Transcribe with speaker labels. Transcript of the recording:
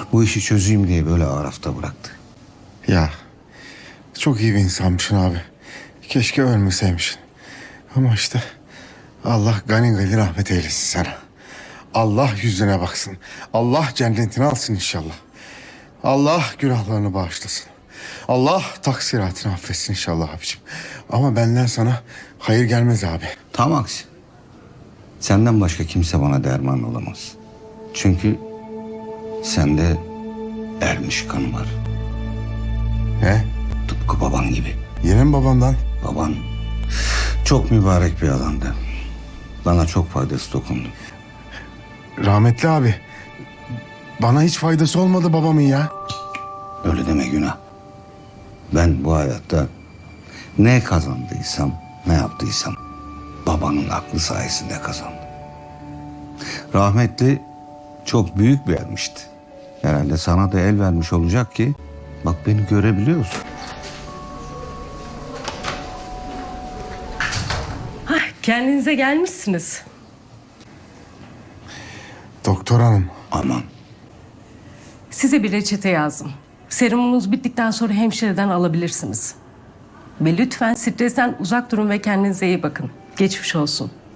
Speaker 1: Bu işi çözeyim diye böyle arafta bıraktı.
Speaker 2: Ya çok iyi bir insanmışsın abi. Keşke ölmeseymişsin. Ama işte Allah gani gani rahmet eylesin sana. Allah yüzüne baksın. Allah cennetini alsın inşallah. Allah günahlarını bağışlasın. Allah taksiratını affetsin inşallah abicim. Ama benden sana hayır gelmez abi.
Speaker 1: Tam aksi. Senden başka kimse bana derman olamaz. Çünkü sende ermiş kan var.
Speaker 2: Ne?
Speaker 1: Tıpkı baban gibi.
Speaker 2: Yine mi babamdan?
Speaker 1: Baban çok mübarek bir adamdı. Bana çok faydası dokundu.
Speaker 2: Rahmetli abi. Bana hiç faydası olmadı babamın ya.
Speaker 1: Öyle deme günah. Ben bu hayatta ne kazandıysam, ne yaptıysam babanın aklı sayesinde kazandım. Rahmetli çok büyük bir ermişti. Herhalde sana da el vermiş olacak ki bak beni görebiliyorsun.
Speaker 3: Kendinize gelmişsiniz.
Speaker 2: Doktor hanım.
Speaker 1: Aman
Speaker 3: Size bir reçete yazdım. Serumunuz bittikten sonra hemşireden alabilirsiniz. Ve lütfen stresten uzak durun ve kendinize iyi bakın. Geçmiş olsun.